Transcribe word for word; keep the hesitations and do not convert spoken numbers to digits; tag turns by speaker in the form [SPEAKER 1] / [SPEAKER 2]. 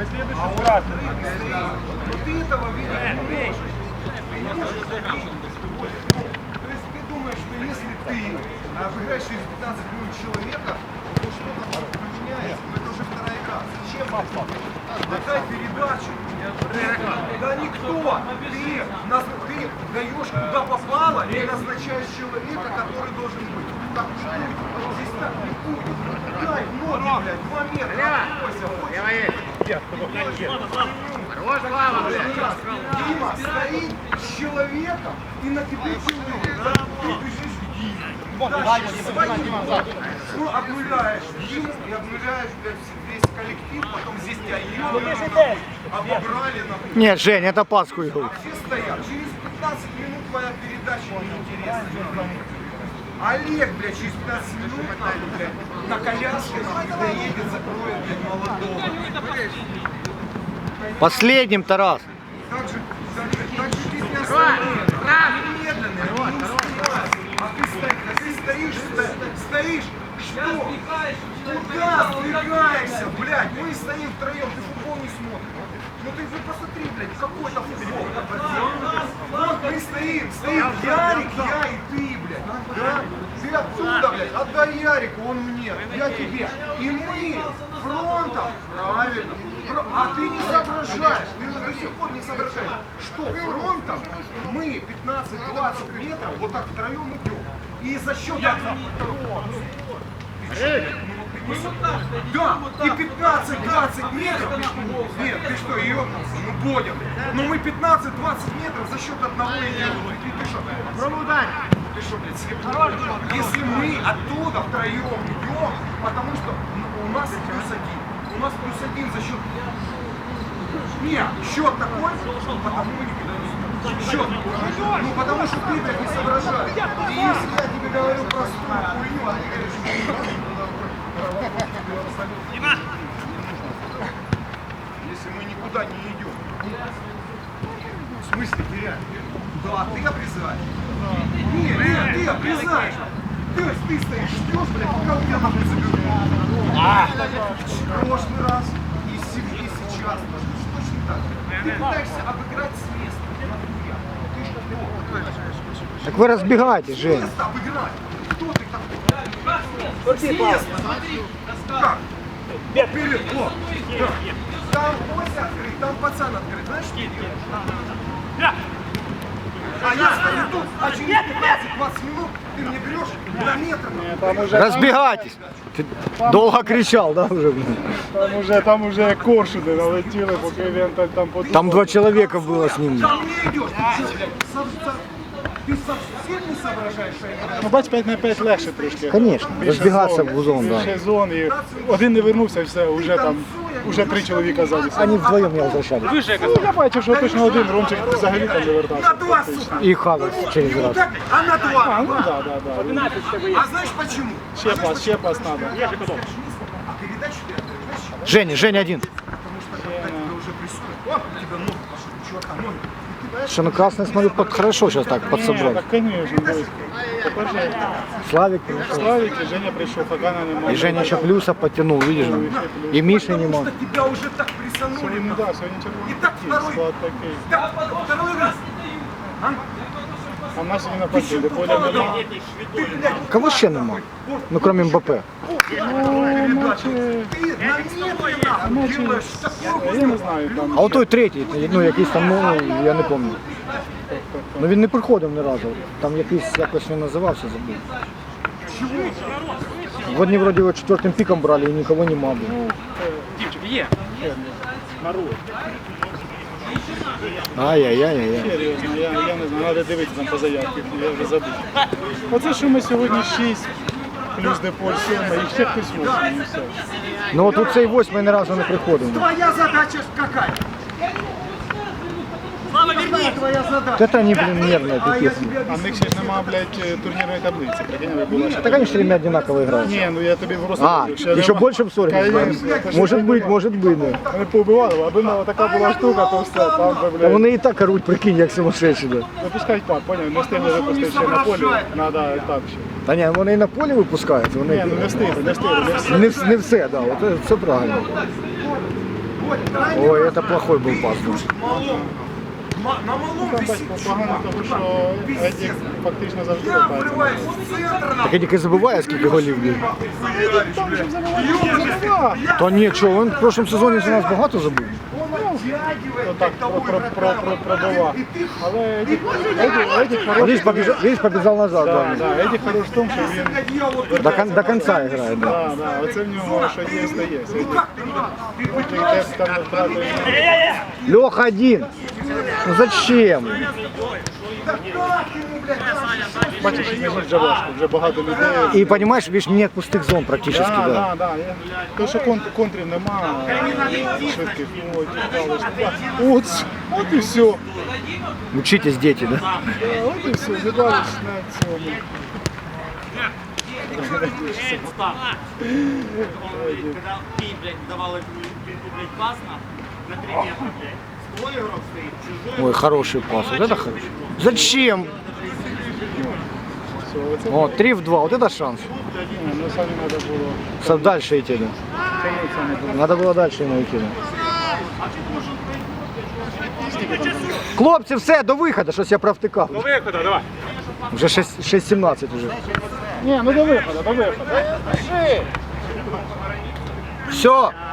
[SPEAKER 1] На следующий раз.
[SPEAKER 2] Ты этого видеть не можешь. То есть ты думаешь, что если ты обыграешь через пятнадцать минут человека, то что-то поменяется, но это уже вторая игра. Зачем? Отдай передачу. Да никто. Ты, наз... ты даешь куда попало и назначаешь человека, который должен быть. Так не будет. Здесь так не будет. Дай ноги, блядь, два метра.
[SPEAKER 3] Хорош, Слава, блядь.
[SPEAKER 2] Дима стоит с человеком и на тебе человек. Ты бежишь. Ну, обнуляешь Диму и обнуляешь, блядь, весь коллектив, потом здесь тебя ебанули, обобрали на...
[SPEAKER 4] Нет, Жень, это Пасху.
[SPEAKER 2] А все стоят. Через пятнадцать минут твоя передача неинтересна. Олег, блядь, через пятнадцать минут нахуй, блядь, на коляске нахуй доедет, закроет, блядь, молодого.
[SPEAKER 4] Последним, Тарас.
[SPEAKER 2] Так же, так же, так же ты не остановишь. Медленный, не успеваешь. А ты стоишь, а ты стоишь, сто- стоишь, что? Куда сдвигаешься, блядь? Мы стоим втроем, ты футбол не смотришь. Ну ты же посмотри, блядь, какой-то футбол. Вот мы стоим, стоим Ярик, я и ты, блядь. Да? Ты отсюда, блядь, отдай Ярику, он мне, я тебе. И мы фронтом, правильно. А ты не соображаешь, ты до сих пор не соображаешь, что фронтом мы пятнадцать-двадцать метров вот так втроем идем. И за счет этого... Да, и пятнадцать-двадцать метров, нет, ты что, ёбнулся, ну понял. Но мы пятнадцать-двадцать метров за счет одного идем. Ты, ты что, попробуй ударить. Ты что, блядь, слепой? Если мы оттуда втроем идем, потому что у нас плюс один. У нас плюс один за счет... Нет, счет такой, потому мы никуда не идем. Счет. Ну потому что ты, блядь, не соображаешь. И если я тебе говорю простую хуйню, а ты говоришь... Если мы никуда не идем. В смысле теряем? Да, ты обрезаешь. Нет, нет, ты обрезаешь. То есть ты стоишь, ждешь, блядь, пока у тебя нахуй заберут. А, в прошлый раз и сейчас точно так же. Ты пытаешься обыграть с места. Ты что?
[SPEAKER 4] Так вы разбегаетесь, Жень.
[SPEAKER 2] С места обыграть. Кто ты такой? С места. Как? Вперед, о! Там Ося открыт, там пацан открыт. Знаешь, что делать? А я стою тут, а через пятнадцать-двадцать минут ты мне берешь на метр.
[SPEAKER 4] Разбегайтесь. Ти довго кричав, да, вже?
[SPEAKER 1] Там уже, там уже коршуни налетіли, поки він там, там подумав.
[SPEAKER 4] Там два чоловіка було з ним.
[SPEAKER 2] Ко мне идешь, ты что, блядь, ты совсем не соображаешь, что я говорю?
[SPEAKER 1] Ну, бач, п'ять на п'ять легше трошки.
[SPEAKER 4] Конечно, розбігатися в зон, да.
[SPEAKER 1] Більше зон, і один не вернувся, і все, вже там, вже три чоловіка ззаді.
[SPEAKER 4] Они вдвоем не возвращались.
[SPEAKER 1] Ну, я бачив, що точно один Ромчик взагалі там не
[SPEAKER 2] На
[SPEAKER 1] вертався.
[SPEAKER 2] два, сука!
[SPEAKER 4] И Хавер через раз.
[SPEAKER 2] Так, а на два?
[SPEAKER 1] А, ну да, да, да.
[SPEAKER 2] А знаешь почему?
[SPEAKER 1] Ще пас, ще пас надо.
[SPEAKER 2] А передачу ты отдаешь?
[SPEAKER 4] Женя, Женя один.
[SPEAKER 2] Потому что когда тебя уже прессуют, о, у тебя ноги пошли, у чувака ноги.
[SPEAKER 4] Что, ну красный, смотрю, под, хорошо сейчас так
[SPEAKER 1] Ні,
[SPEAKER 4] подсобрал.
[SPEAKER 1] так, конечно, близько. Тепер же
[SPEAKER 4] Славик пришел.
[SPEAKER 1] Славик і Женя прийшов, Хагана немає.
[SPEAKER 4] И Женя еще плюса подтянул, видишь? И Миши
[SPEAKER 2] Потому
[SPEAKER 4] нема.
[SPEAKER 2] что тебя уже так прессанули.
[SPEAKER 1] Сьогодні, ну
[SPEAKER 2] нахуй.
[SPEAKER 1] да, сьогодні червоний
[SPEAKER 2] І так
[SPEAKER 1] такий,
[SPEAKER 2] второй.
[SPEAKER 1] склад такий.
[SPEAKER 2] Так, второй раз. А?
[SPEAKER 1] А в нас сьогодні на партії, поля нема.
[SPEAKER 2] Ты, блядь,
[SPEAKER 4] Кого ще нема? Ну, кроме Мбаппе.
[SPEAKER 2] передачу. Ты намедленно делаешь такую
[SPEAKER 1] Я не знаю, там.
[SPEAKER 4] А от той третій, ну якийсь там, ну, я не пам'ятаю. Ну він не приходив ні разу. Там якийсь, якось він називався, забув. Вони вроді його четвертим піком брали і нікого нема було. Ай-яй-яй-яй.
[SPEAKER 1] Серйозно, я, я не знаю, треба дивитися там по заявці, я вже забув. Оце що ми сьогодні шість, плюс Деполь сьома, і ще хтось восьмий, і все.
[SPEAKER 4] Ну от цей восьмий ні разу не приходив.
[SPEAKER 2] Твоя задача какая? Какая твоя задача?
[SPEAKER 4] Це вони, блін, нервні
[SPEAKER 2] А я
[SPEAKER 4] такі.
[SPEAKER 2] тебе
[SPEAKER 1] А в них
[SPEAKER 2] объясню.
[SPEAKER 1] ще ж нема, блядь, турнірної таблиці, прикинь, ви була ще.
[SPEAKER 4] Так вони ж ребята одинаково грають.
[SPEAKER 1] Ні, ну я тобі просто
[SPEAKER 4] А,
[SPEAKER 1] говорю, що
[SPEAKER 4] еще
[SPEAKER 1] нема-
[SPEAKER 4] больше в ссоре?
[SPEAKER 1] Конечно, це ж
[SPEAKER 4] Может
[SPEAKER 1] не
[SPEAKER 4] быть,
[SPEAKER 1] нема.
[SPEAKER 4] может быть, да.
[SPEAKER 1] Вони поубивали, аби на така була штука, то все, там би,
[SPEAKER 4] Та
[SPEAKER 1] блядь.
[SPEAKER 4] вони і так оруть, прикинь, як сумасшедші, да.
[SPEAKER 1] Випускають пак, поняв, не встигли випустити ще на полі, треба так ще.
[SPEAKER 4] Та ні, вони і на полі випускають,
[SPEAKER 1] Ні,
[SPEAKER 4] вони
[SPEAKER 1] ну не встигли, не встигли, не встигли.
[SPEAKER 4] не, вс- не все, да, от це, це правильно. Ой, это плохой был пас. да.
[SPEAKER 2] Малом. Ма- На малом
[SPEAKER 1] Там
[SPEAKER 2] висит.
[SPEAKER 1] бачите, погано того, що Едік фактично завжди
[SPEAKER 2] Я
[SPEAKER 1] копається.
[SPEAKER 2] вриваюсь в центр.
[SPEAKER 4] Так Едік і забиває, скільки голів бив.
[SPEAKER 1] Там же забиває, забиває.
[SPEAKER 4] Та ні, чого, він в прошлому сезоні за нас багато забив.
[SPEAKER 1] Отак про, про, про, про, пробивав. Але Едік, Едік, Едік
[SPEAKER 4] А
[SPEAKER 1] хороший.
[SPEAKER 4] Ліж побіжав, Ліж побіжав назад.
[SPEAKER 1] Да,
[SPEAKER 4] Да.
[SPEAKER 1] да, Едік хороший в тому, що він
[SPEAKER 4] До, кон- до конца грає, да.
[SPEAKER 1] Да, да, оце в нього що є, то є. Едік десь там не втратив.
[SPEAKER 4] Леха один. Ну зачем?
[SPEAKER 1] Бачиш, мені вже важко, вже багато людей.
[SPEAKER 4] І розумієш, більш нет пустих зон практично,
[SPEAKER 1] Да,
[SPEAKER 4] да.
[SPEAKER 1] да, да. Я- То, що кон- контрів нема, швидких, ну, от, дали ж. От, от і все.
[SPEAKER 4] Учитесь, діти, да.
[SPEAKER 1] От і все, не дали ж на цьому.
[SPEAKER 3] Когда ты, блядь, давал эту, блядь, пас на, на три метра, блядь. Твой игрок стоит, чужой.
[SPEAKER 4] Ой, хороший пас. Вот это хороший. Зачем?
[SPEAKER 1] Все, оце
[SPEAKER 4] О, три в два. Вот это шанс.
[SPEAKER 1] ні, ну самі треба було.
[SPEAKER 4] Со- Дальше идти, да.
[SPEAKER 1] Тягнути саме було.
[SPEAKER 4] Надо было дальше ему идти, да. Хлопці, все, до виходу, щось я провтикав. До виходу, давай. Вже шість сімнадцять вже.
[SPEAKER 1] Ні, ну до виходу, до виходу.
[SPEAKER 4] Все,